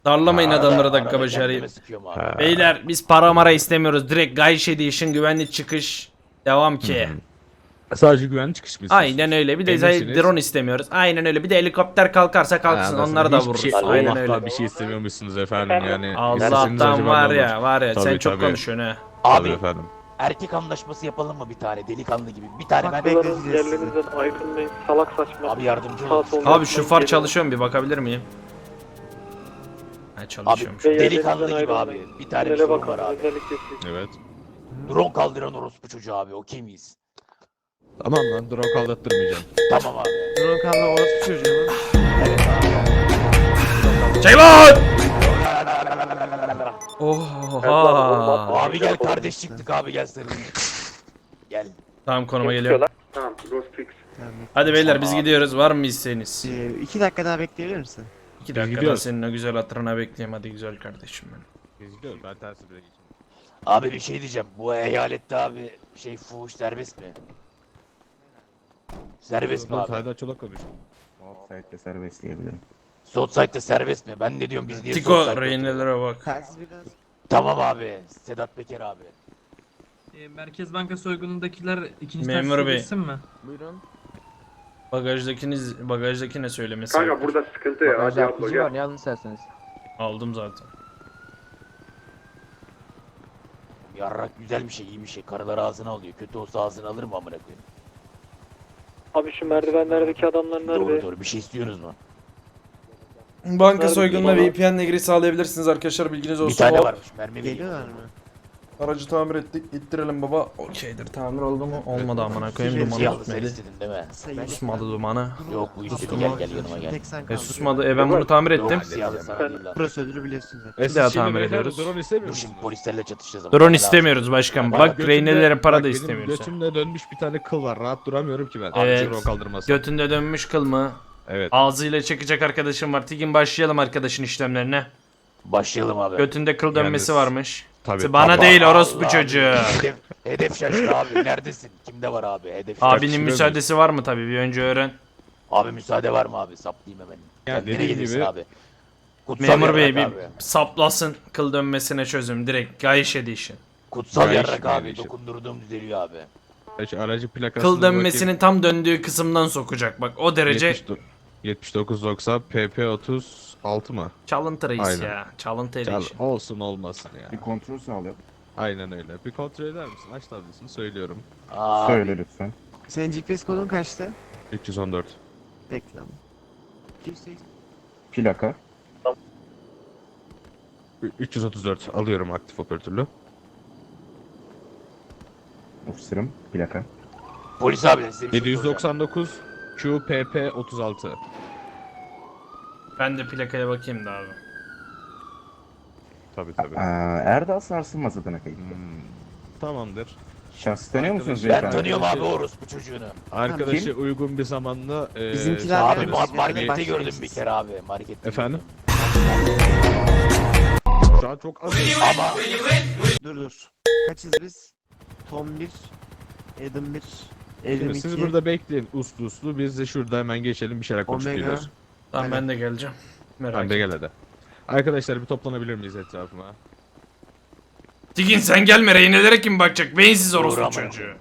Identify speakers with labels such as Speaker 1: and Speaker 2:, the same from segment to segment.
Speaker 1: Darlamayın adamları dakika
Speaker 2: Arada
Speaker 1: başı
Speaker 2: kendime
Speaker 1: arayıp.
Speaker 2: sıkıyorum abi.
Speaker 1: Beyler biz para mara istemiyoruz. Direkt Gayiş Edition güvenli çıkış. Devam ki.
Speaker 3: Sadece güvenli çıkış mı
Speaker 1: Aynen
Speaker 3: istiyorsunuz?
Speaker 1: öyle. Bir de
Speaker 3: Eminsiniz.
Speaker 1: drone istemiyoruz. Aynen öyle. Bir de helikopter kalkarsa kalksın.
Speaker 3: Anlasın.
Speaker 1: Onları da
Speaker 3: Hiçbir şey
Speaker 1: vururuz. Aynen
Speaker 3: Allah'tan
Speaker 1: öyle.
Speaker 3: bir şey istemiyormuşsunuz efendim yani. İsteseniz
Speaker 1: Allah'tan
Speaker 3: acaba ne
Speaker 1: var
Speaker 3: olur?
Speaker 1: ya var ya. Sen
Speaker 3: Tabii,
Speaker 1: çok
Speaker 3: tabii.
Speaker 1: konuşuyorsun ha.
Speaker 3: Tabii
Speaker 2: Abi
Speaker 3: efendim.
Speaker 2: erkek anlaşması yapalım mı bir tane delikanlı gibi? Bir tane ben
Speaker 4: Haklıların yerlerinizden ayrılmayın. Salak saçma.
Speaker 2: Abi yardımcı
Speaker 4: Sağ
Speaker 2: olun.
Speaker 4: sol
Speaker 1: Abi
Speaker 4: yapmayın,
Speaker 1: şu far
Speaker 4: gelin.
Speaker 1: çalışıyor mu bir bakabilir miyim? Ha
Speaker 2: Abi
Speaker 1: çalışıyormuş.
Speaker 4: Ve
Speaker 2: delikanlı
Speaker 4: yerlerinizden
Speaker 2: gibi abi.
Speaker 4: ayrılmayın.
Speaker 2: Bir tane bir
Speaker 4: Tünele
Speaker 2: sorun
Speaker 4: bakın,
Speaker 2: var abi.
Speaker 4: özellikle siz.
Speaker 3: Evet.
Speaker 2: Drone kaldıran orospu çocuğu abi. Okey miyiz?
Speaker 3: Tamam lan drone kaldattırmayacağım.
Speaker 2: Tamam abi.
Speaker 5: Drone kalma orası çocuğu mu?
Speaker 2: Evet abi.
Speaker 1: Ceylan! Oha!
Speaker 2: Abi gel kardeş çıktık abi gel sarılayım. Gel.
Speaker 1: Tamam konuma geliyorum.
Speaker 4: Tamam, Ghost Fix.
Speaker 5: Tamam.
Speaker 1: Hadi beyler biz gidiyoruz. Var mı isteğiniz?
Speaker 5: 2 dakika daha bekleyebilir misin?
Speaker 1: 2 dakika daha
Speaker 3: gidiyoruz.
Speaker 1: senin o güzel hatırına bekleyeyim. Hadi güzel kardeşim benim.
Speaker 3: Biz gidiyoruz ben tersi bile geçeyim.
Speaker 2: Abi bir şey diyeceğim. Bu eyalette abi fuhuş serbest mi? Serbest mi abi?
Speaker 3: Serdar Çolak konuş.
Speaker 6: Offside'de serbest diyebilirim.
Speaker 2: Sotside'de serbest mi? Ben ne diyorum biz niye
Speaker 1: Tiko
Speaker 2: Sotside'de
Speaker 1: rehinelere bak.
Speaker 5: Telsiz biraz.
Speaker 2: Tamam abi. Sedat Peker abi.
Speaker 7: Merkez Banka soygunundakiler ikinci
Speaker 1: Memur
Speaker 7: taksiye
Speaker 1: bey.
Speaker 7: geçsin mi?
Speaker 5: Buyurun.
Speaker 1: Bagajdaki ne söylemesi?
Speaker 4: Kanka burada sıkıntı ya. Hadi abla gel.
Speaker 8: ne alın isterseniz.
Speaker 1: Aldım zaten.
Speaker 2: Yarrak güzel bir şey, iyi bir şey. Karılar ağzına alıyor. Kötü olsa ağzına alır mı amına koyayım?
Speaker 4: Abi şu merdivenlerdeki adamlar
Speaker 2: Doğru
Speaker 4: nerede?
Speaker 2: doğru. Bir şey istiyorsunuz mu?
Speaker 1: Banka
Speaker 4: Nerede
Speaker 1: soygununa
Speaker 4: baba?
Speaker 1: VPN'le giriş sağlayabilirsiniz arkadaşlar bilginiz olsun.
Speaker 2: Bir tane
Speaker 1: O-
Speaker 2: varmış. Mermi vereyim.
Speaker 5: Geliyorlar mı?
Speaker 1: Aracı tamir ettik. İttirelim baba. Okeydir. Tamir oldu mu? Olmadı amına koyayım. Dumanı
Speaker 2: Siyahlı sen
Speaker 1: tutmadı.
Speaker 2: istedin değil mi?
Speaker 5: Sayı.
Speaker 1: Susmadı dumanı.
Speaker 2: Yok bu istedi.
Speaker 1: Susmadı.
Speaker 2: Gel gel yanıma gel.
Speaker 5: Tek sen
Speaker 1: E
Speaker 5: kaldın.
Speaker 1: susmadı. Ben bunu tamir ettim.
Speaker 2: Yok siyahlı sana değil lan.
Speaker 5: Prosedürü biliyorsun zaten.
Speaker 1: Bir daha tamir ediyoruz.
Speaker 3: Drone istemiyor
Speaker 2: Dur şimdi
Speaker 3: musunuz?
Speaker 2: polislerle çatışacağız ama.
Speaker 1: Drone istemiyoruz başkan. Bak
Speaker 3: götümde-
Speaker 1: rehinelere para
Speaker 3: bak
Speaker 1: da
Speaker 3: benim
Speaker 1: istemiyoruz.
Speaker 3: Götümde dönmüş bir tane kıl var. Rahat duramıyorum ki ben.
Speaker 1: Evet.
Speaker 3: Drone kaldırması.
Speaker 1: Götünde dönmüş kıl mı?
Speaker 3: Evet.
Speaker 1: Ağzıyla çekecek arkadaşım var. Tigin başlayalım arkadaşın işlemlerine.
Speaker 2: Başlayalım abi.
Speaker 1: Götünde kıl dönmesi
Speaker 3: Yalnız-
Speaker 1: varmış.
Speaker 3: Tabii.
Speaker 1: Bana
Speaker 2: Allah
Speaker 1: değil orospu
Speaker 2: Allah.
Speaker 1: çocuğu.
Speaker 2: Hedef şaştı abi. Neredesin? Kimde var abi? Hedef şaştı.
Speaker 1: Abinin
Speaker 3: Tartışılıyor
Speaker 1: müsaadesi var mı tabii bir önce öğren.
Speaker 2: Abi müsaade var mı abi? Saplayayım hemen.
Speaker 3: Ya
Speaker 2: Kendine
Speaker 3: dediğim
Speaker 2: gelirsin
Speaker 3: gibi-
Speaker 2: abi. Kutsal
Speaker 1: Memur bey
Speaker 2: yarrak
Speaker 1: bir
Speaker 2: abi.
Speaker 1: saplasın kıl dönmesine çözüm direkt Gayiş Edition.
Speaker 2: Kutsal
Speaker 3: Gayet
Speaker 2: yarrak
Speaker 3: iyi
Speaker 2: abi.
Speaker 3: bir şey.
Speaker 2: Dokundurduğum düzeliyor abi.
Speaker 3: Şu aracı plakasına
Speaker 1: Kıl dönmesinin tam döndüğü kısımdan sokacak bak o derece
Speaker 3: 7990 PP 36 mı?
Speaker 1: çalıntı reis
Speaker 3: Aynen.
Speaker 1: ya. Çalıntı
Speaker 3: Çal,
Speaker 1: Edition.
Speaker 3: olsun olmasın ya.
Speaker 6: Bir kontrol sağlayalım.
Speaker 3: Aynen öyle. Bir kontrol eder misin? Aç tablosunu söylüyorum.
Speaker 2: Abi.
Speaker 6: Söyle lütfen.
Speaker 5: Senin GPS kodun kaçtı?
Speaker 3: 314.
Speaker 5: Bekle ama. 280.
Speaker 6: Plaka.
Speaker 3: 334 alıyorum aktif operatörlü.
Speaker 6: Ofisirim. Plaka.
Speaker 2: Polis abi size bir şey soracağım.
Speaker 3: 799 QPP 36.
Speaker 1: Ben de plakaya bakayım da abi.
Speaker 3: Tabi tabi.
Speaker 6: Erdal Sarsılmaz adına kayıtlı.
Speaker 3: Tamamdır.
Speaker 6: Şahsı tanıyor musunuz
Speaker 3: Ben
Speaker 2: Ben
Speaker 6: beyefendi?
Speaker 2: tanıyorum abi orospu çocuğunu.
Speaker 3: Arkadaşı uygun bir zamanda
Speaker 5: Bizimkiler
Speaker 2: Abi
Speaker 5: gelmiş, yani
Speaker 2: markette
Speaker 5: başlayın
Speaker 2: gördüm
Speaker 5: siz.
Speaker 2: bir kere abi. Markette.
Speaker 3: Efendim? Şu an çok az.
Speaker 2: Ama
Speaker 5: Dur. Kaçız biz? Tom 1, Adam 1, Elim
Speaker 3: Şimdi
Speaker 5: 2,
Speaker 3: siz burada bekleyin uslu uslu. Biz de şurada hemen geçelim bir şeyler konuşup
Speaker 5: Omega.
Speaker 3: geliyoruz.
Speaker 1: Tamam
Speaker 5: Aynen.
Speaker 1: ben de geleceğim. Merak
Speaker 3: Ben de
Speaker 1: etme.
Speaker 3: gel hadi. Arkadaşlar bir toplanabilir miyiz etrafıma?
Speaker 1: Tigin sen gelme rehinelere kim bakacak? Beyinsiz orospu
Speaker 2: Uğramam.
Speaker 1: çocuğu.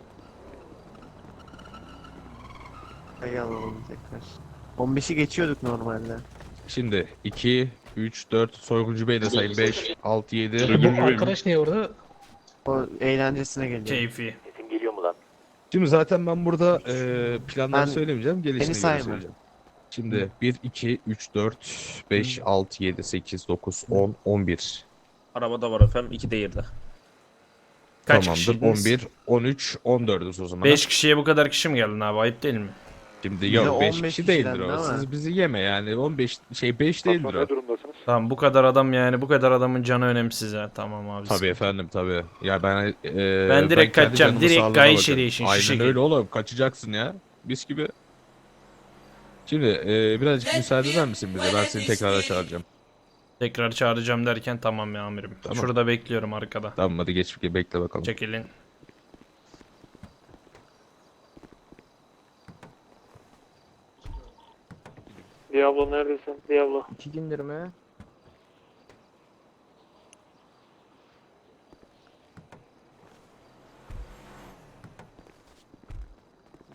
Speaker 5: Sayı alalım tekrar. 15'i geçiyorduk normalde.
Speaker 3: Şimdi 2, 3, 4 soyguncu bey de sayın 5, 6, 7.
Speaker 7: Bu arkadaş niye orada?
Speaker 5: O eğlencesine geliyor.
Speaker 1: Keyfi.
Speaker 2: sesim geliyor mu lan?
Speaker 3: Şimdi zaten ben burada planları
Speaker 5: Ben-
Speaker 3: söylemeyeceğim, gelişine göre
Speaker 5: sayma.
Speaker 3: söyleyeceğim. Şimdi 1, 2, 3, 4, 5, 6, 7, 8, 9, 10, 11.
Speaker 8: Arabada var efendim, 2 de yerde.
Speaker 1: Kaç
Speaker 3: Tamamdır.
Speaker 1: kişiydiniz?
Speaker 3: 11, 13, 14'üz o zaman.
Speaker 1: 5 kişiye bu kadar kişi mi geldin abi? Ayıp değil mi?
Speaker 3: Şimdi
Speaker 5: de
Speaker 3: yok 5
Speaker 5: 15
Speaker 3: kişi değildir
Speaker 5: kişiden
Speaker 3: o.
Speaker 5: değil mi?
Speaker 3: Siz bizi yeme yani. 15 5 değildir o.
Speaker 4: durumdasınız?
Speaker 1: Tamam bu kadar adam yani bu kadar adamın canı önemsiz ha. Tamam abi.
Speaker 3: Tabii efendim tabii. Ya ben
Speaker 1: Ben direkt
Speaker 3: kendi
Speaker 1: kaçacağım.
Speaker 3: canımı
Speaker 1: Direkt
Speaker 3: sağlığıma
Speaker 1: Gayiş
Speaker 3: bakarım.
Speaker 1: Edition, şu
Speaker 3: Aynen
Speaker 1: şekil.
Speaker 3: öyle oğlum. Kaçacaksın ya. Biz gibi. Şimdi birazcık müsaade eder misin bize? Ben seni tekrar çağıracağım.
Speaker 1: Tekrar çağıracağım derken tamam ya amirim.
Speaker 3: Tamam.
Speaker 1: Şurada bekliyorum arkada.
Speaker 3: Tamam hadi geç bekle bakalım.
Speaker 1: Çekilin.
Speaker 4: Diablo neredesin? Diablo.
Speaker 8: 2 gündür mü?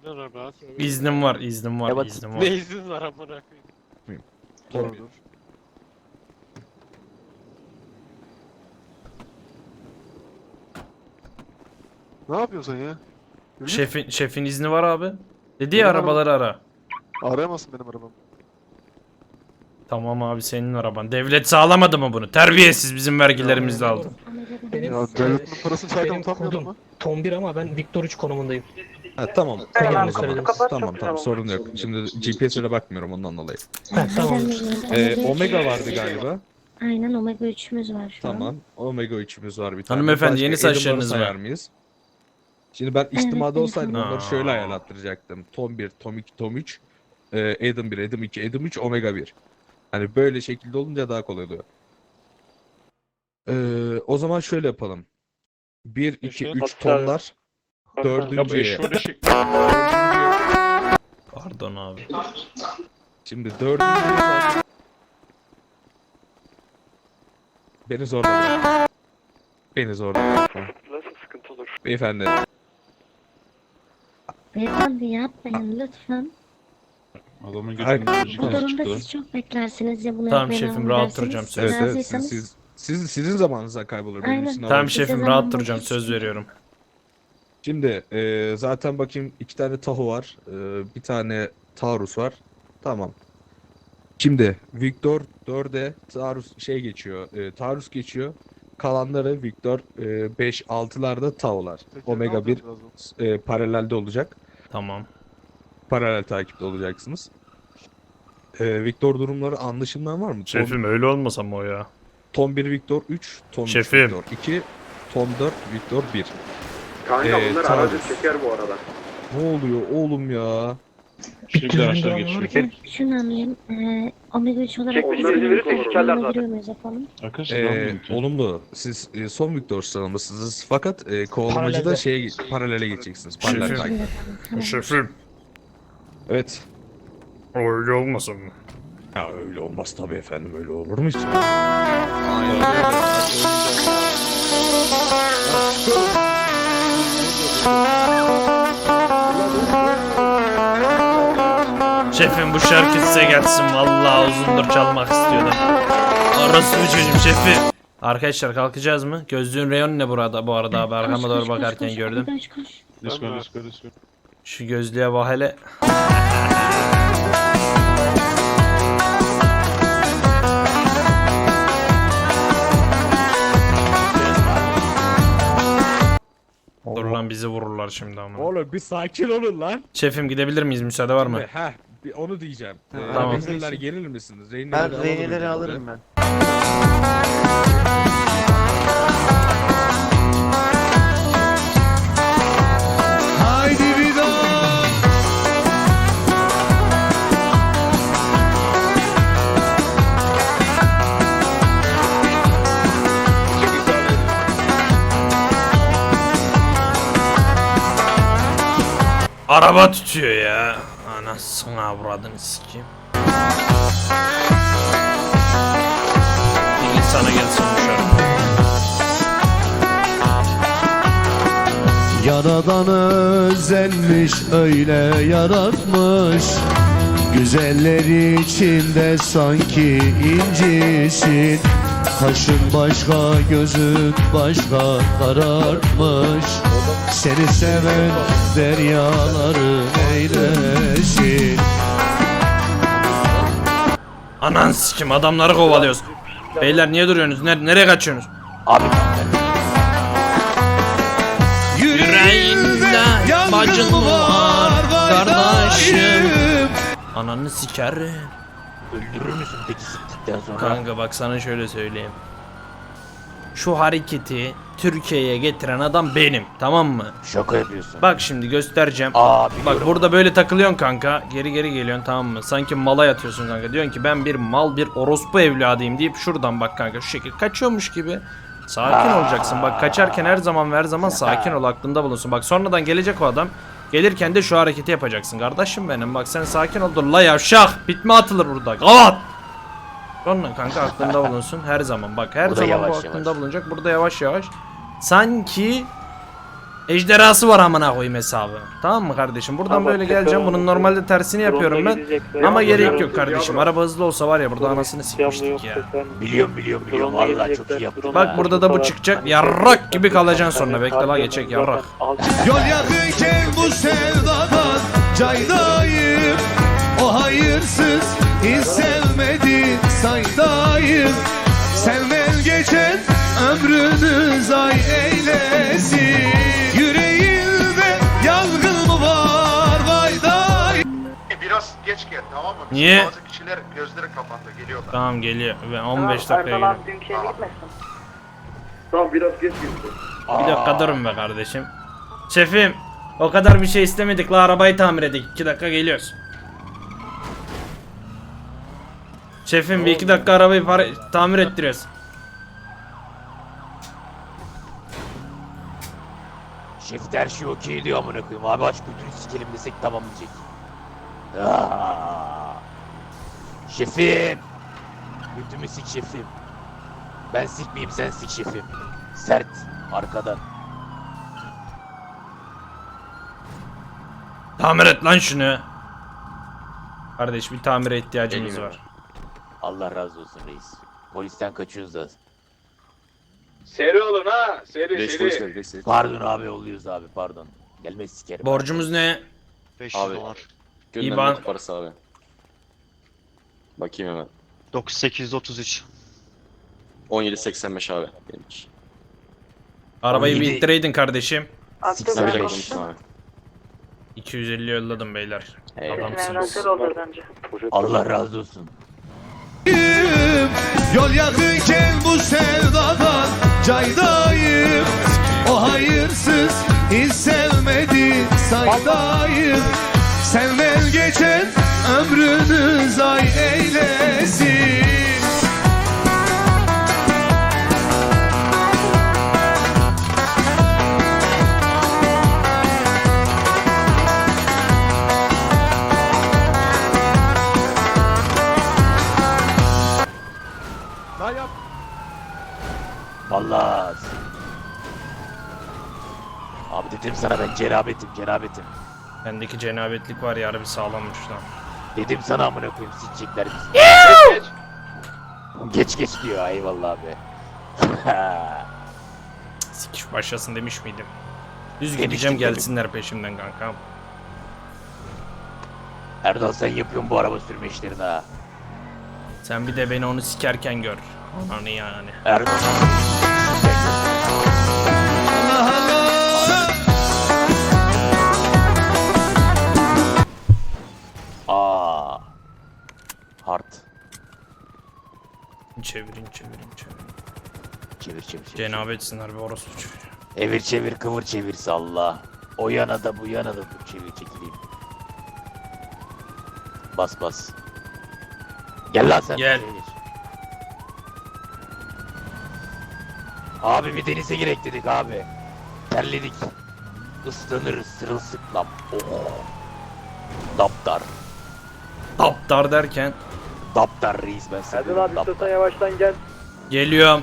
Speaker 1: İznim var, iznim var,
Speaker 2: Evet.
Speaker 1: iznim var.
Speaker 4: izin var amına koyayım.
Speaker 3: Tombi.
Speaker 9: Ne yapıyorsun ya?
Speaker 1: Şefin izni var abi. Dedi ya arabaları ara.
Speaker 9: Arayamazsın benim arabamı.
Speaker 1: Tamam abi senin araban. Devlet sağlamadı mı bunu? Terbiyesiz bizim vergilerimizle aldı.
Speaker 7: Benim,
Speaker 9: Ya devletin parasını çarken
Speaker 7: benim
Speaker 9: utanmıyordun
Speaker 7: kodum
Speaker 9: mu?
Speaker 7: Tom 1 ama ben Victor 3 konumundayım.
Speaker 3: Ha, tamam.
Speaker 7: Tamam,
Speaker 3: Tamam o zaman.
Speaker 7: söylediniz.
Speaker 3: Tamam sorun yok. Şimdi GPS'e bakmıyorum ondan dolayı.
Speaker 7: Ha, tamam.
Speaker 3: Omega vardı galiba.
Speaker 10: Aynen Omega 3'ümüz var şu an.
Speaker 3: Tamam. Omega 3'ümüz var bir tane.
Speaker 1: Hanımefendi,
Speaker 3: Başka
Speaker 1: yeni saçlarınız
Speaker 3: Adam'ları
Speaker 1: var.
Speaker 3: sayar mıyız? Şimdi ben içtimada
Speaker 10: benim
Speaker 3: olsaydım
Speaker 1: tamam.
Speaker 3: onları şöyle ayarlattıracaktım. Tom 1, Tom 2, Tom 3, Adam 1, Adam 2, Adam 3, Omega 1. Hani böyle şekilde olunca daha kolay oluyor. O zaman şöyle yapalım. 1, 2, 3 tonlar. Dördüncüye.
Speaker 1: Pardon abi.
Speaker 3: Şimdi dördüncüye zaten... Beni zorla bırak. Beni zorla bırakma.
Speaker 4: Nasıl sıkıntı olur?
Speaker 3: Beyefendi.
Speaker 10: Beyefendi yapmayın lütfen.
Speaker 3: Adamın
Speaker 10: Bu durumda siz çok beklersiniz ya bunu
Speaker 1: Tamam
Speaker 10: yapmayın,
Speaker 1: şefim,
Speaker 10: onu
Speaker 1: rahat
Speaker 10: dersiniz.
Speaker 1: duracağım, söz.
Speaker 3: Evet evet
Speaker 10: Razıysanız-
Speaker 3: sizin zamanınıza kaybolur. Benim
Speaker 10: Aynen.
Speaker 3: için
Speaker 1: Tamam
Speaker 3: alalım.
Speaker 1: şefim
Speaker 10: Size
Speaker 1: rahat
Speaker 10: zaman
Speaker 1: duracağım,
Speaker 10: boş
Speaker 1: söz
Speaker 10: geçti.
Speaker 1: veriyorum.
Speaker 3: Şimdi zaten bakayım 2 tane Tahoe var. Bir tane Taurus var. Tamam. Şimdi Victor 4'e Taurus geçiyor. Taurus geçiyor. Kalanları Victor 5 6'larda Tao'lar.
Speaker 9: Peki, ne
Speaker 3: Omega 1
Speaker 9: yapacağız birazdan?
Speaker 3: paralelde olacak.
Speaker 1: Tamam.
Speaker 3: Paralel takipte olacaksınız. Victor durumları anlaşılmayan var mı?
Speaker 1: Şefim öyle olmasa mı o ya?
Speaker 3: Tom 1 Victor 3, Tom 3
Speaker 1: Şefim.
Speaker 3: Victor 2, Tom 4 Victor 1.
Speaker 4: Kanka bunlar
Speaker 3: tamam.
Speaker 4: aracı çeker bu arada.
Speaker 3: Ne oluyor oğlum ya?
Speaker 10: Hocam şunu anlayayım. Omega 3 olarak
Speaker 4: Çekmece
Speaker 10: biz
Speaker 4: izin verirse sikerler zaten.
Speaker 10: giriyor muyuz yapalım?
Speaker 3: Olumlu. Siz son Victor sıralamasınız fakat kovalamacıda
Speaker 7: Paralelde.
Speaker 3: paralele geçeceksiniz. Paralel
Speaker 1: Şefim.
Speaker 3: takip.
Speaker 10: Tamam.
Speaker 1: Şefim
Speaker 3: Evet.
Speaker 1: öyle olmasa mı?
Speaker 3: Ya öyle olmaz tabii efendim, öyle olur mu hiç?
Speaker 1: Şefim bu şarkı size gelsin, vallahi uzundur çalmak istiyordum. Orası bu çocuğum şefim. Arkadaşlar kalkacağız mı? Gözlüğün reyonu ne burada bu arada abi, arkama doğru bakarken gördüm.
Speaker 10: Koş.
Speaker 1: Şu gözlüğe bak hele. Dur lan bizi vururlar şimdi ama.
Speaker 3: Oğlum bir sakin olun lan.
Speaker 1: Şefim gidebilir miyiz? Müsaade var mı?
Speaker 3: Onu diyeceğim.
Speaker 1: Tamam.
Speaker 3: Rehineler gelir misiniz?
Speaker 5: Ben reyneleri alırım ben.
Speaker 3: Haydi bir daha.
Speaker 1: Araba tutuyor ya. Anasını avradını sikeyim. Bir sana gelsin bu şarkı.
Speaker 11: Yaradan özenmiş öyle yaratmış, güzeller içinde sanki incisin. Kaşın başka gözün başka kararmış, seni seven deryaları eylesin.
Speaker 1: Anan sikim, adamları kovalıyoruz. Beyler niye duruyorsunuz? Nereye kaçıyorsunuz?
Speaker 2: Abi
Speaker 1: Yüreğinde bacın var kardeşim. Ananı sikerim.
Speaker 2: öldürür müsün peki sıktıktan sonra?
Speaker 1: Kanka bak sana şöyle söyleyeyim. Şu hareketi Türkiye'ye getiren adam benim, tamam mı?
Speaker 2: Şaka yapıyorsun.
Speaker 1: Bak şimdi göstereceğim.
Speaker 2: Aa
Speaker 1: Bak
Speaker 2: biliyorum.
Speaker 1: burada böyle takılıyorsun kanka. Geri geliyorsun, tamam mı? Sanki mala yatıyorsun kanka. Diyorsun ki ben bir mal, bir orospu evladıyım deyip şuradan bak kanka şu şekilde kaçıyormuş gibi. Sakin olacaksın. Bak kaçarken her zaman sakin ol, aklında bulunsun. Bak sonradan gelecek o adam. Gelirken de şu hareketi yapacaksın kardeşim benim. Bak sen sakin ol. Dur la yavşak. Bitme atılır burada. Kavat. Sonra kanka aklında bulunsun her zaman. Bak her
Speaker 2: Burada
Speaker 1: zaman bu
Speaker 2: yavaş
Speaker 1: aklında
Speaker 2: yavaş.
Speaker 1: bulunacak. Burada yavaş yavaş. Sanki ejderhası var amına koyayım hesabı. Tamam mı kardeşim? Buradan böyle geleceğim. Bunun normalde tersini yapıyorum ben. Ama gerek yok kardeşim. Araba hızlı olsa var ya burada anasını sikmiştik ya.
Speaker 2: Biliyorum vallahi çok iyi yaptın.
Speaker 1: Bak burada da bu çıkacak. Yarrak gibi kalacaksın sonra. Bekle la geçecek yarrak.
Speaker 11: Yol yakınken bu sevdadan caydayım. O hayırsız hiç sevmedi saydayım. Senden geçen ömrünü zay eylesin. Yüreğinde yangın mı var vay day.
Speaker 9: Biraz geç gel tamam mı?
Speaker 1: Niye?
Speaker 9: Bazı kişiler gözleri kapandı geliyorlar.
Speaker 1: Tamam geliyor. Ben 15 dakika geliyorum.
Speaker 4: Tamam biraz geç gitti.
Speaker 1: Bir dakika durun be kardeşim. Şefim o kadar bir şey istemedik la arabayı tamir edik. 2 dakika geliyoruz. Şefim bir 2 dakika arabayı tamir ettiriyoruz.
Speaker 2: Şef de her şey okey diyor amına koyayım. Abi aç götünü sikelim desek tamam diyecek. Aa! Şefim. Götümü sik şefim. Ben sikmeyeyim sen sik şefim. Sert arkadan.
Speaker 1: Tamir et lan şunu. Kardeş bir tamire ihtiyacımız var.
Speaker 2: Allah razı olsun reis. Polisten kaçıyoruz da.
Speaker 4: Seri olun ha. Seri.
Speaker 2: Pardon abi oluyoruz abi pardon. Gelmez sikerim.
Speaker 1: Borcumuz ne?
Speaker 9: 500
Speaker 10: Abi.
Speaker 9: dolar.
Speaker 1: İban.
Speaker 10: Parası abi. Bakayım hemen.
Speaker 9: 9833.
Speaker 10: 17.85 abi benimki.
Speaker 1: Arabayı bir
Speaker 2: 17.
Speaker 1: ittireydin kardeşim.
Speaker 10: Tabii de konuştum abi.
Speaker 1: 250 yolladım beyler.
Speaker 10: Eyvallah.
Speaker 1: Adamsınız.
Speaker 2: Allah razı olsun.
Speaker 11: Yol yakınken bu sevdadan caydayım. O hayırsız hiç sevmedi saydayım. Senden geçen ömrünü zay eylesin.
Speaker 2: Vallahi. Abi dedim sana ben cerabetim.
Speaker 1: Bendeki cenabetlik var ya harbi sağlammış lan.
Speaker 2: Dedim sana amına koyayım sikecekler bizi. Geç diyor eyvallah abi.
Speaker 1: Sikiş başlasın demiş miydim? Düz
Speaker 2: Demiştim
Speaker 1: gideceğim
Speaker 2: tabii.
Speaker 1: gelsinler peşimden kankam.
Speaker 2: Erdal sen yapıyorsun bu araba sürme işlerini ha.
Speaker 1: Sen bir de beni onu sikerken gör. Anı yani.
Speaker 2: Erdal. Aa. Hard.
Speaker 1: Çevirin.
Speaker 2: Çevir.
Speaker 1: Cenabetsinler bir orospu çocuğu.
Speaker 2: Evir çevir kıvır çevir salla. O yana da bu yana da dur çevir çekileyim. Bas. Gel lan sen.
Speaker 1: Gel.
Speaker 2: şuraya geç. Abi bir denize girek dedik abi. Terledik. Islanırız sırılsıklam. Oh. Daptar.
Speaker 1: Daptar derken.
Speaker 2: Daptar reis ben seviyorum daptar.
Speaker 4: yavaştan gel.
Speaker 1: Geliyorum.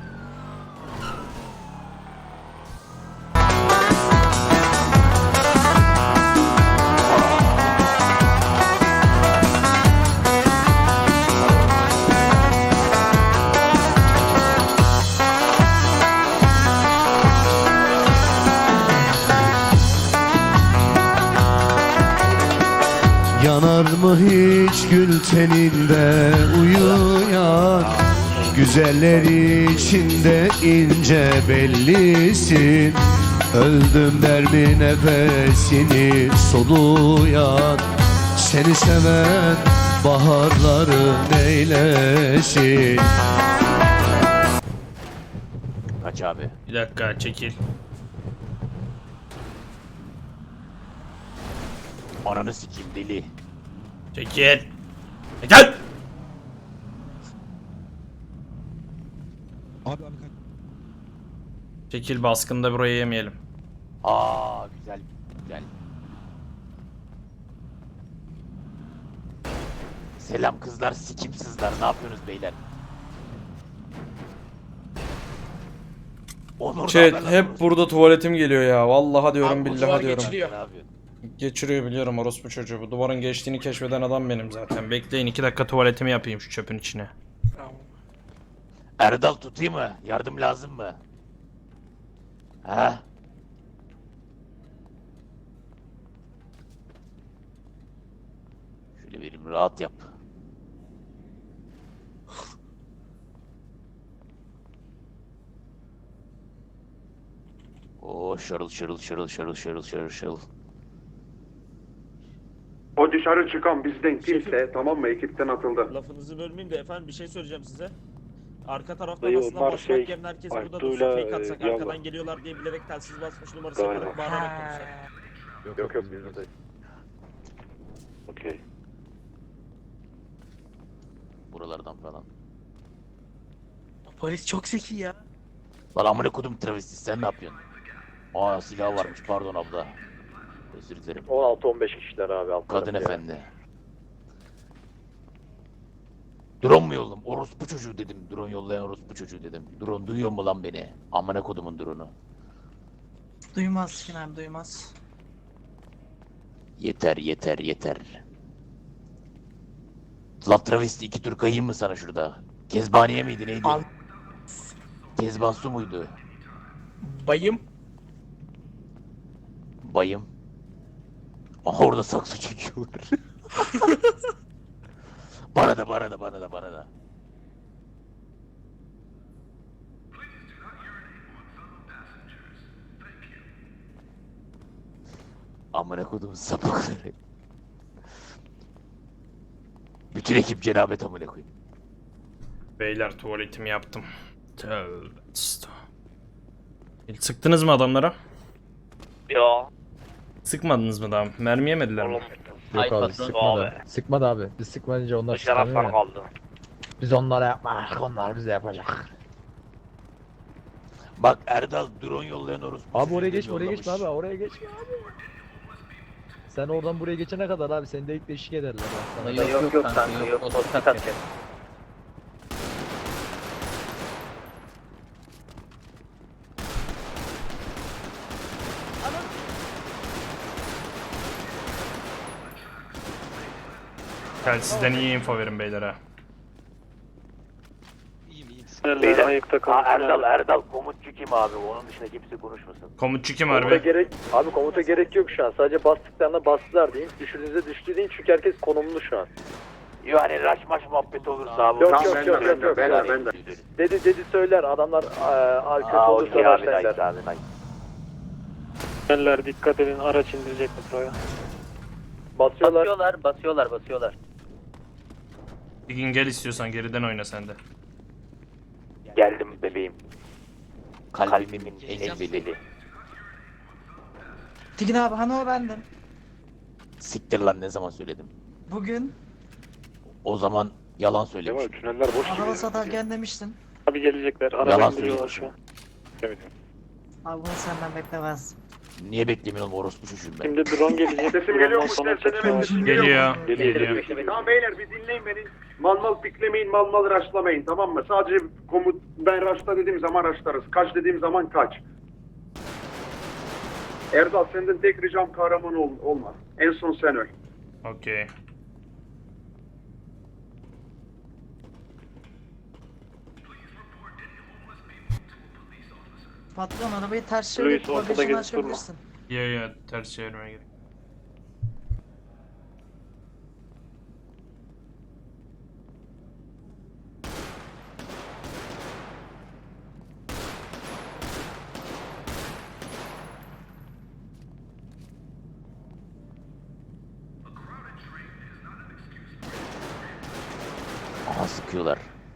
Speaker 11: Yanar mı hiç gül teninde uyuyan? Güzeller içinde ince bellisin. Öldüm der mi nefesini soluyan? Seni seven baharları neylesin?
Speaker 2: Kaç abi.
Speaker 1: Bir dakika çekil.
Speaker 2: Ananı sikeyim deli.
Speaker 1: Çekil. Çekil.
Speaker 3: Abi kaç.
Speaker 1: Çekil baskında burayı yemeyelim.
Speaker 2: Aa güzel. Selam kızlar sikimsizler ne yapıyorsunuz beyler? Onur
Speaker 1: Chat hep burada tuvaletim geliyor ya. Vallahi diyorum, billahi diyorum.
Speaker 2: Geçiriyor.
Speaker 1: Geçiriyor biliyorum orospu çocuğu. Bu duvarın geçtiğini keşfeden adam benim zaten. Bekleyin 2 dakika tuvaletimi yapayım şu çöpün içine.
Speaker 2: Erdal tutayım mı? Yardım lazım mı? Ha? Şöyle vereyim, rahat yap. Oo, şırıl.
Speaker 4: O dışarı çıkan bizden kimse, tamam mı, ekipten atıldı.
Speaker 8: Lafınızı bölmeyeyim de efendim bir şey söyleyeceğim size. Arka tarafta
Speaker 4: Dayı,
Speaker 8: basına
Speaker 4: onlar
Speaker 8: başlamak
Speaker 4: şey,
Speaker 8: yerine herkes burada
Speaker 4: Altuğ'yla,
Speaker 8: dursun, fake atsak
Speaker 4: Yalva.
Speaker 8: arkadan geliyorlar diye bilerek telsiz basmış numarası
Speaker 4: Aynen.
Speaker 8: yaparak bağırarak konuşsak.
Speaker 4: Yok bizde değil. Okey.
Speaker 2: Buralardan falan.
Speaker 5: Polis çok zeki ya.
Speaker 2: Lan amına kodum travesti, sen ne yapıyorsun? Aa, silah varmış, pardon abla. Özür dilerim.
Speaker 4: 16-15 kişiler abi.
Speaker 2: Kadın efendi. Drone mu yolladım? Orospu çocuğu dedim. Drone yollayan orospu çocuğu dedim. Drone duyuyor mu lan beni? Amına kodumun drone'u.
Speaker 5: Duymaz Sinan duymaz.
Speaker 2: Yeter. La travesti, 2 tur kayayım mı sana şurada? Kezbaniye miydi neydi?
Speaker 5: Al.
Speaker 2: Kezban su muydu?
Speaker 7: Bayım.
Speaker 2: Bayım. Aha, orada saksı çekiyorlar. Bana da. Amına kodum sapıkları. Bütün ekip cenabet amına koyayım.
Speaker 1: Beyler tuvaletimi yaptım. Tövbe estağfurullah. Sıktınız mı adamlara?
Speaker 2: Ya.
Speaker 1: Sıkmadınız mı daha? Mermi yemediler mi?
Speaker 2: Yok abi, sıkmadı.
Speaker 5: Sıkmadı abi. Biz sıkmayınca onlar sıkmıyor ya.
Speaker 2: kaldı.
Speaker 5: Biz onlara yapmak, onlar bize yapacak.
Speaker 2: Bak Erdal, drone yollayan orospu.
Speaker 5: Abi oraya
Speaker 2: çocuğu
Speaker 5: geçme, oraya
Speaker 2: yollamış.
Speaker 5: geçme abi, oraya geçme abi. Sen oradan buraya geçene kadar abi seni de ilk eşlik ederler. Bak sana.
Speaker 2: Yok kanka yok. Otostop atacak.
Speaker 1: Telsizden iyi info verin beyler ha.
Speaker 4: Beyler ayıkta
Speaker 2: Erdal komutçu kim abi? Onun dışında kimse konuşmasın.
Speaker 1: Komutçu kim harbi?
Speaker 4: Komuta gerek yok şu an. Sadece bastıklarına bastılar deyin. Düşürdüğünüzde düştü deyin çünkü herkes konumlu şu an.
Speaker 2: Yani raş maş muhabbet olursa abi.
Speaker 4: Yok, ben de. Dedi söyler adamlar kötü olursa başlarlar.
Speaker 7: Eller dikkat edin, araç indirecek metroya.
Speaker 4: Basıyorlar.
Speaker 1: Bir gün gel istiyorsan geriden oyna sen de.
Speaker 2: Geldim bebeğim. Kalbimin en belli.
Speaker 5: Tigin abi hani o bendim.
Speaker 2: Siktir lan, ne zaman söyledim.
Speaker 5: Bugün
Speaker 2: O zaman yalan söylemiş.
Speaker 4: Tüneller boş
Speaker 5: araba satarken demiştin.
Speaker 7: Abi gelecekler,
Speaker 2: Yalan
Speaker 7: araba indiriyorlar
Speaker 2: söylüyorsun.
Speaker 7: şu an.
Speaker 5: Abi bunu senden beklemez.
Speaker 2: Niye beklemiyorum, orospu çocuğum ben.
Speaker 7: Şimdi drone gelecek.
Speaker 4: Sesim geliyor mu?
Speaker 7: Sonra
Speaker 1: Geliyor.
Speaker 4: Tamam beyler bir dinleyin beni. Mal piklemeyin, mal raşlamayın, tamam mı? Sadece ben raşla dediğim zaman raşlarız. Kaç dediğim zaman kaç. Erdal senden tek ricam kahraman olma. En son sen öl.
Speaker 1: Okey.
Speaker 5: Patron arabayı ters
Speaker 7: Louis,
Speaker 5: çevirip
Speaker 7: ortada
Speaker 5: bagajını
Speaker 7: gezip durma.
Speaker 5: açabilirsin.
Speaker 1: Ya ters çevirmeye gerek.
Speaker 2: Aha, sıkıyorlar.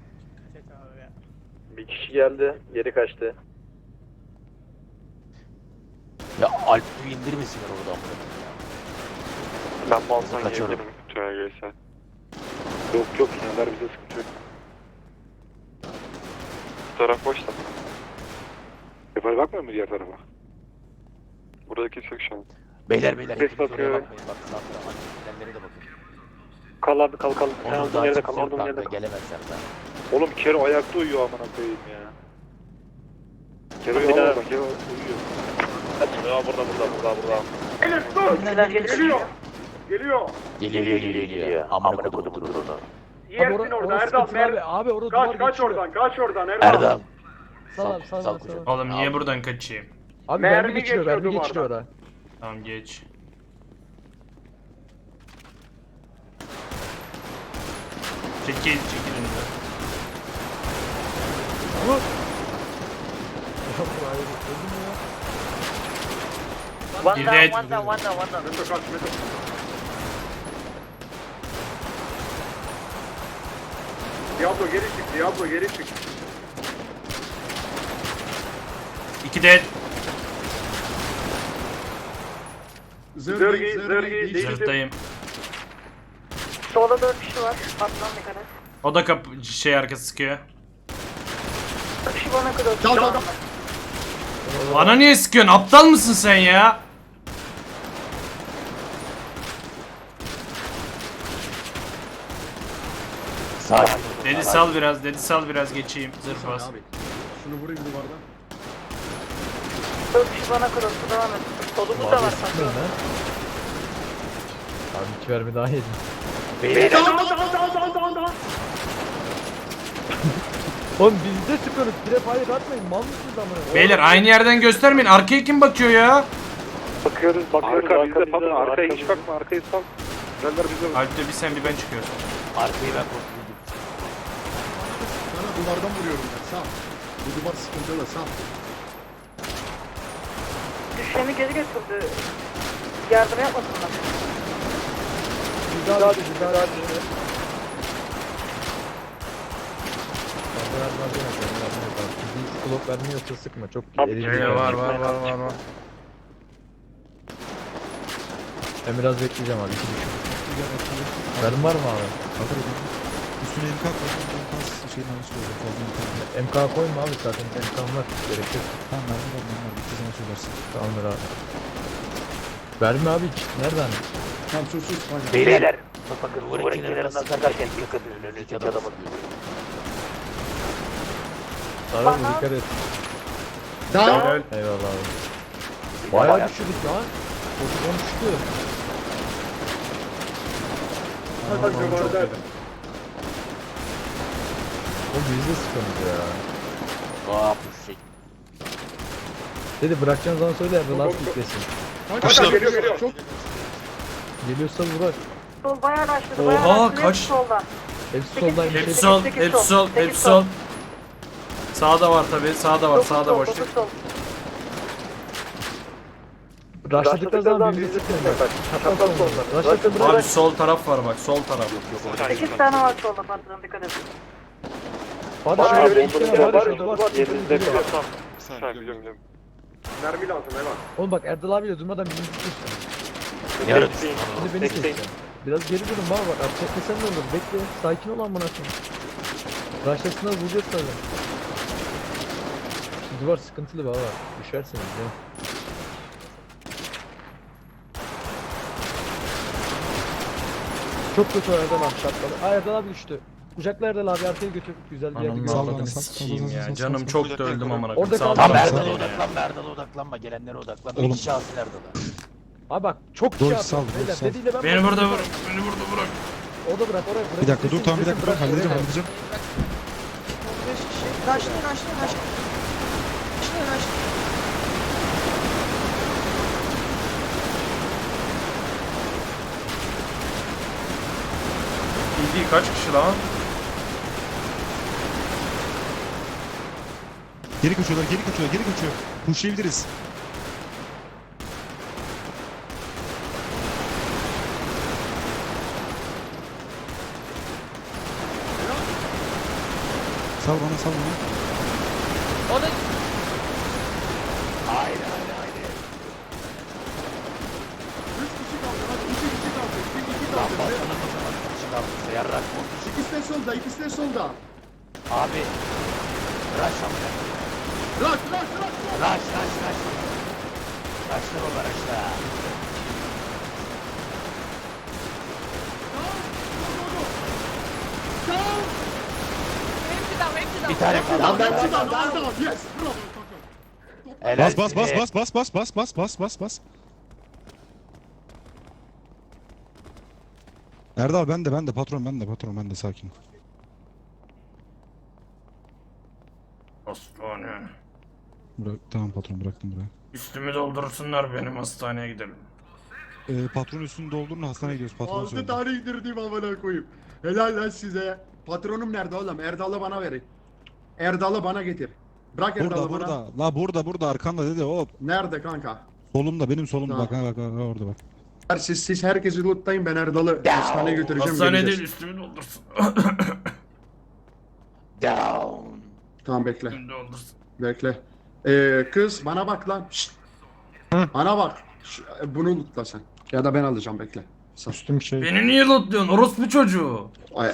Speaker 4: Bir kişi geldi, geri kaçtı.
Speaker 2: Ya Alp'i indirmesinler orada amına koyayım ya.
Speaker 4: Ben balsan
Speaker 2: Kaçıyorum.
Speaker 4: Tüne gelsen. Yok, tüneller bize sıkıntı yok. Bu taraf boş da. Yukarı bakmıyor mu diğer tarafa? Burada kimse yok şu an.
Speaker 2: Beyler
Speaker 7: Ses
Speaker 2: hepiniz oraya
Speaker 7: bakıyor.
Speaker 2: bakmayın, bak sağda annelere de bakın.
Speaker 7: Kal abi kal. Sen
Speaker 2: Onun
Speaker 7: olduğun
Speaker 2: daha
Speaker 7: yerde
Speaker 2: kimse
Speaker 7: kal,
Speaker 2: yok
Speaker 7: olduğun yerde
Speaker 2: kanka,
Speaker 7: kal.
Speaker 2: gelemezler daha.
Speaker 4: Oğlum Kero ayakta uyuyor amına koyayım ya.
Speaker 7: Kero bir daha bak. Kero uyuyor. Burada.
Speaker 4: Beyler dur. Geliyor.
Speaker 2: Geliyor. Amına kodum durunu.
Speaker 4: Yersin
Speaker 5: Abi
Speaker 4: orada
Speaker 5: orası
Speaker 4: Erdal.
Speaker 5: sıkıntılı abi. Abi orada duvar
Speaker 4: Kaç
Speaker 5: geçiyor.
Speaker 4: oradan. Kaç oradan Erdal.
Speaker 2: Erdal.
Speaker 5: Sal abi sal
Speaker 2: Sal
Speaker 5: abi sal.
Speaker 2: kucak.
Speaker 1: Oğlum niye buradan kaçayım?
Speaker 5: Abi
Speaker 4: Mermi
Speaker 5: mermi geçiyor
Speaker 4: geçiyor
Speaker 5: mermi geçiyor
Speaker 4: duvardan.
Speaker 5: oraya.
Speaker 1: Tamam geç. Çekil önüne. Bir de
Speaker 4: Meto kaç Meto. Diablo geri çık.
Speaker 1: 2 de
Speaker 4: Zırgi değiştir.
Speaker 1: zırhtayım.
Speaker 7: Solda 4 kişi var. Atlan dikkat et.
Speaker 1: O da şey arkası sıkıyor.
Speaker 7: 4 kişi bana kadar.
Speaker 4: Çal.
Speaker 1: Bana niye sıkıyorsun? Aptal mısın sen ya?
Speaker 2: Sakin.
Speaker 1: Dedi sal biraz geçeyim. Zırh bas.
Speaker 4: Şunu vurayım duvardan.
Speaker 7: 4 kişi bana kadar. Devam et. Solumuz da var.
Speaker 5: Sıkmıyor lan. Abi 2 mermi daha yedim.
Speaker 2: Beyler.
Speaker 5: Oğlum biz de sıkıyoruz. Direkt hayır atmayın. Mal mısınız amına?
Speaker 1: Beyler aynı yerden göstermeyin. Arkaya kim bakıyor ya?
Speaker 7: Bakıyoruz. Arka bizde patron. Arkaya hiç bakma. Arkayı sal. Gönder bize.
Speaker 1: Alp'te bir sen bir ben çıkıyorsun.
Speaker 2: Arkayı ben kontrol
Speaker 4: Sana duvardan vuruyorum ben. Sağ. Bu duvar sıkıntılı sağ.
Speaker 7: Düşeni geri götürdü. Yardım yapmasınlar.
Speaker 5: Bir daha düşün. Bir daha düşün. Blok vermiyorsa sıkma. Çok
Speaker 1: Var.
Speaker 5: Ben biraz bekleyeceğim abi. 2 düşün. Benim var mı abi?
Speaker 3: Üstüne MK koy. Şeyin anı söylüyorum. Fazla MK.
Speaker 5: MK koyma abi zaten. MK'm var. Gerek yok.
Speaker 3: Tamam ben var. Bir zaman söylersin.
Speaker 5: Tamamdır abi. Verme abi hiç. Nereden?
Speaker 3: Tamam sus.
Speaker 2: Beyler. Bakın duvarın kenarından sakarken yakın önündeki adamın.
Speaker 5: Sarı bu dikkat et.
Speaker 1: Helal.
Speaker 5: Eyvallah abi. Bayağı düşürdük lan. Pozisyon düştü. O biz de sıkıntı ya.
Speaker 2: Ne yapmışsın?
Speaker 5: Dedi bırakacağın zaman söyle Erdoğan last yüklesin.
Speaker 4: Geliyor. Çok.
Speaker 5: Geliyorsa bırak.
Speaker 7: Sol bayağı başladı.
Speaker 1: Oha,
Speaker 7: bayağı başladı.
Speaker 1: kaç-
Speaker 7: Soldan.
Speaker 5: Hepsi soldan
Speaker 1: Hepsi
Speaker 5: geçti.
Speaker 1: sol, hepsi sol. Sağda var tabi, sağda var, sağda boş.
Speaker 5: Rushladıkları zaman birbirine sıkıyorlar. Çapraz solda. Rushladıkları
Speaker 1: Abi
Speaker 5: bırak.
Speaker 1: sol taraf var bak, sol taraf.
Speaker 7: 8 tane var solda patron dikkat et.
Speaker 5: Barış öyle iki tane Barış o duvar.
Speaker 7: Biliyorum.
Speaker 4: Mermi lazım hemen.
Speaker 5: Oğlum bak Erdal abiyle durmadan birini tutuyorsun.
Speaker 2: Yarın.
Speaker 5: Şimdi beni seçeceksin. Biraz geri durun bana bak. Abi çekmesen ne olur? Bekle. Sakin ol amına koyayım. Rushlasınlar vuracağız tabii. Şu duvar sıkıntılı baba. Düşersiniz ya. Çok kötü Erdal abi şartları. Aa Erdal abi düştü. Kucakla Erdal abi arkaya götür. Güzel bir yerde
Speaker 1: Ananı
Speaker 5: gördüm.
Speaker 1: avradını sikeyim ya. Canım çok da öldüm amına
Speaker 5: Orada
Speaker 1: koyayım.
Speaker 5: kal.
Speaker 2: Tam
Speaker 1: Sağdan
Speaker 2: Erdal'a
Speaker 1: sağdan ya.
Speaker 2: odaklanma, Erdal'a odaklanma, gelenlere odaklanma.
Speaker 3: Oğlum.
Speaker 2: İki şahsın Erdal'a.
Speaker 5: Abi bak çok şey yaptın. Beyler dediğiyle ben
Speaker 1: Beni burada bırak, beni burada bırak.
Speaker 5: O da bırak oraya bırak.
Speaker 3: Bir dakika dur tamam bir dakika dur
Speaker 5: Bırak,
Speaker 3: halledeceğim
Speaker 5: oraya.
Speaker 3: halledeceğim.
Speaker 1: İyi kaç kişi lan?
Speaker 3: Geri kaçıyorlar geri kaçıyor. Pushlayabiliriz. Sal bana.
Speaker 2: Haydi. Lan baksana o zaman kişi kalmışsa yarrak mı?
Speaker 4: İkisi de solda.
Speaker 2: Abi. Rush amına. Rush. Rush'la baba rush'la. Bir tane kaldı.
Speaker 4: Yes. Bravo.
Speaker 6: Bas
Speaker 2: Bas bas.
Speaker 6: bas. Erdal ben de patron ben de sakin.
Speaker 1: Hastane.
Speaker 6: Tamam patron bıraktım buraya.
Speaker 1: Üstümü doldursunlar benim hastaneye gidelim.
Speaker 6: Patron üstünü doldurun hastaneye gidiyoruz patron
Speaker 4: 6 tane indirdim amına koyayım. Helal lan size. Patronum nerede oğlum? Erdal'ı bana verin. Erdal'ı bana getir. Bırak Erdal'ı bana.
Speaker 6: La burada arkanda dedi hop.
Speaker 4: Nerede kanka?
Speaker 6: Solumda benim solumda
Speaker 4: Tamam.
Speaker 6: bak orada bak.
Speaker 4: Siz herkesi lootlayın, ben Erdal'ı hastaneye götüreceğim.
Speaker 1: Hastane
Speaker 4: geleceğiz.
Speaker 1: değil üstümü doldursun.
Speaker 2: Down.
Speaker 4: Tamam bekle.
Speaker 1: Üstümü doldursun.
Speaker 4: Bekle. Kız bana bak lan. Şşt. Bana bak. Bunu lootla sen. Ya da ben alacağım bekle.
Speaker 6: Üstüm şey.
Speaker 1: Beni niye lootluyorsun orospu çocuğu?
Speaker 4: Ay.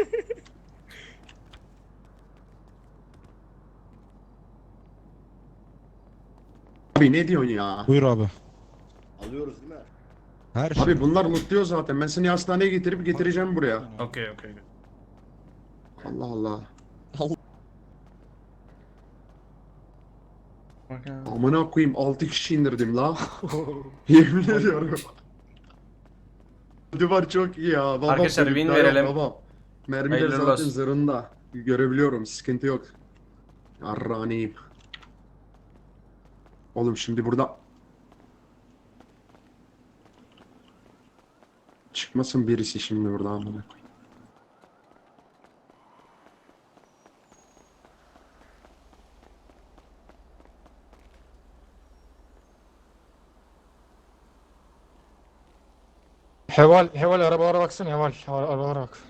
Speaker 4: Abi ne diyorsun ya?
Speaker 6: Buyur abi.
Speaker 4: Alıyoruz değil mi?
Speaker 6: Her şey.
Speaker 4: Abi bunlar lootluyor zaten. Ben seni hastaneye getireceğim buraya.
Speaker 1: Okey.
Speaker 4: Allah Allah. Amına koyayım 6 kişi indirdim la. Yemin ediyorum. Duvar çok iyi ya. Babam
Speaker 1: Arkadaşlar, win
Speaker 4: çocuklar yok,
Speaker 1: verelim.
Speaker 4: Babam. Mermiler
Speaker 1: Hayırlı
Speaker 4: zaten
Speaker 1: olsun.
Speaker 4: zırhında. Görebiliyorum, sıkıntı yok. Yarraniyim. Oğlum şimdi burada... Çıkmasın birisi şimdi burada amına koyayım.
Speaker 7: Heval arabalara baksana Heval. Arabalara bak.